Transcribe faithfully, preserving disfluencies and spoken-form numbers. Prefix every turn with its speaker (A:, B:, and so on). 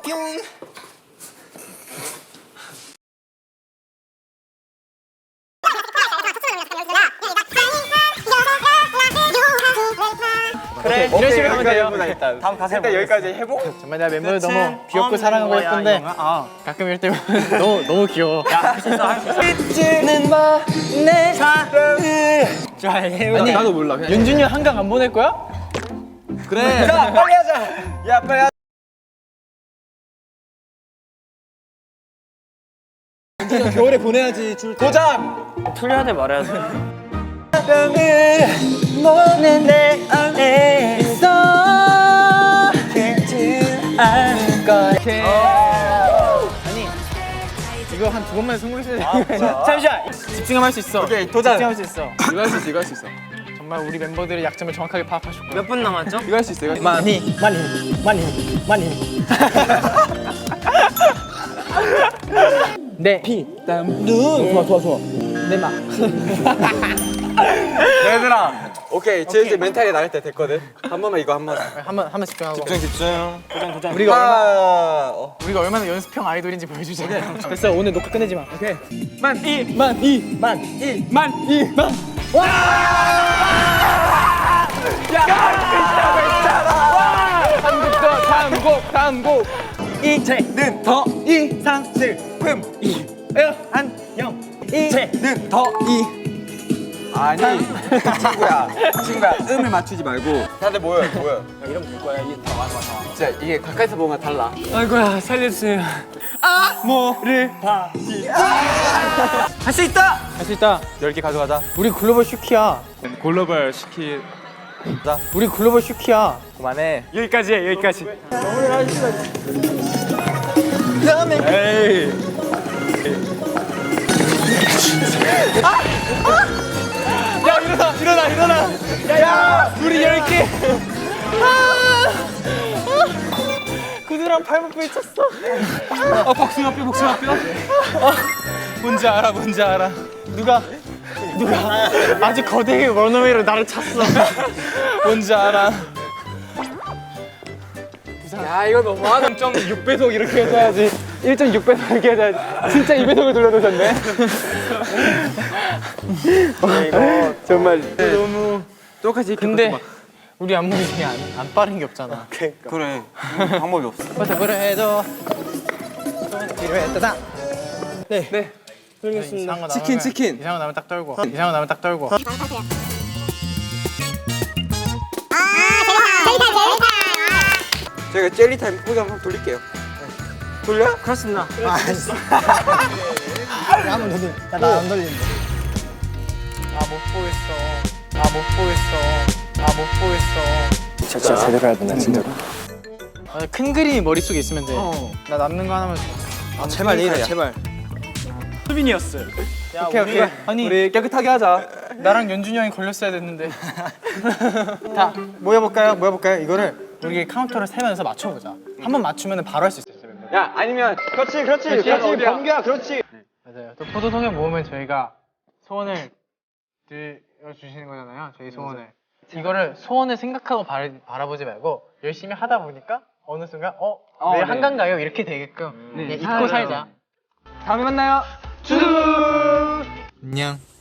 A: 뿅.
B: 그래,
A: 이런 식으로 하면 돼요.
B: 일단. 다음 가사
A: 일단 여기까지 해보.
C: 정말 내가 멤버를 너무 귀엽고 사랑하고 했던데 가끔 이럴 때 너무 너무 귀여워.
B: 할 수 있어, 할 수 있어.
C: 잊지는 마 내 사랑을.
A: 아니 나도 몰라. 그냥
C: 윤준이 형 한강 안 보낼 거야?
A: 그래. 자 빨리 하자. 야 빨리 하자. 윤준이 형 겨울에 보내야지. 줄 도전.
B: 틀려야 돼, 말해야 돼.
C: 너는 내 안에 있어. 잊지 않을 거야. 아니 이거 한 두 번만 성공했어야 돼. 잠시만 집중하면 할 수 있어.
A: 오케이 도전.
C: 집중할 수 있어.
A: 이거 할 수 있어. 이거 할 수 있어.
C: 정말 우리 멤버들의 약점을 정확하게 파악하실 거야.
B: 몇 분 남았죠?
A: 이거 할 수 있어. 이거.
C: 많이 많이 많이 많이. 네. 피, 땀, 눈. 좋아 좋아 좋아. 내 막.
A: 얘들아. 오케이. 제 이제 멘탈이 나갈 때 됐거든. 한 번만 이거 한 번.
C: 한번 한번 집중하고.
A: 집중 집중.
B: 도전, 도전.
C: 우리가 얼마나
A: 아, 어.
C: 우리가 얼마나 연습형 아이돌인지 보여주자. 됐어 오늘 녹화 끝내지 마. 오케이. 만 이, 만 이, 만 이, 만 이, 만. 와! 야, 괜찮아, 괜찮아. 한국도 한국, 한국. 이제는 더 이상 슬픔 이, 안녕. 이제는 더 이.
A: 아니 친구야 친구야 음을 맞추지 말고 다들 모여 모여.
C: 이러면 될 거야. 이 다 맞아 맞아.
A: 진짜 이게 가까이서 보면 달라.
C: 아이고야 살려주세요. 아모를 다시. 할 수 있다. 할 수 있다.
A: 열 개 가져가자.
C: 우리 글로벌 슈키야.
A: 글로벌 시키. 자
C: 우리 글로벌 슈키야.
A: 그만해.
C: 여기까지 해 여기까지.
A: 에이.
C: 야 일어나 일어나 일어나. 야야 우리 열 개. 구두랑 발목 부딪혔어.
A: 어 복숭아 뼈 복숭아 뼈.
C: 뭔지 알아 뭔지 알아. 누가 누가 아주 거대하게 원어웨이로 나를 찼어. 뭔지 알아. 야 이거 너무하다. 일 점 육 배속 이렇게 해줘야지. 일 점 육 배속 이렇게 해줘야지. 진짜 이 배속을 돌려놓으셨네.
A: 이거 정말
C: 너무
A: 똑같이.
C: 근데 우리 안무이 중에 안, 안 빠른 게 없잖아.
A: 그래 방법이 없어.
C: 버텨보려 해도 뒤로 했다다. 네. 네.
A: 돌리겠습니다. 치킨 치킨.
C: 이상한 거 나면 딱 떨고. 이상한 거 나면 딱 떨고.
A: 저희가 젤리 타임 포즈 한번 돌릴게요. 돌려?
B: 그렇습니다.
C: 한번 돌리. 나안 돌리는데. 아 못 보겠어. 아 못 보겠어. 아 못 보겠어.
A: 진짜 제대로 해야 되나 진짜로?
C: 아, 큰 그림이 머릿속에 있으면 돼.
A: 어.
C: 나 남는 거 하나만 줘.
A: 아 제발 이래 제발.
B: 수빈이었어요.
C: 야,
A: 오케이
C: 우리가,
A: 오케이.
C: 아니
A: 우리 깨끗하게 하자.
C: 나랑 연준이 형이 걸렸어야 됐는데. 다 모여볼까요? 모여볼까요? 이거를 우리 카운터를 세면서 맞춰보자. 한 번 맞추면 바로 할 수 있어요.
A: 야 아니면 그렇지 그렇지
C: 그렇지,
A: 그렇지
C: 어디야?
A: 범규야 그렇지.
C: 맞아요. 또 포도송에 모으면 저희가 소원을 들어주시는 거잖아요. 저희 소원을. 이거를 소원을 생각하고 바라, 바라보지 말고 열심히 하다 보니까 어느 순간 어?
A: 어,
C: 내일
A: 네.
C: 한강 가요? 이렇게 되게끔
A: 네.
C: 그냥 잊고 살자.
A: 다음에 만나요.
C: 쭈! 안녕.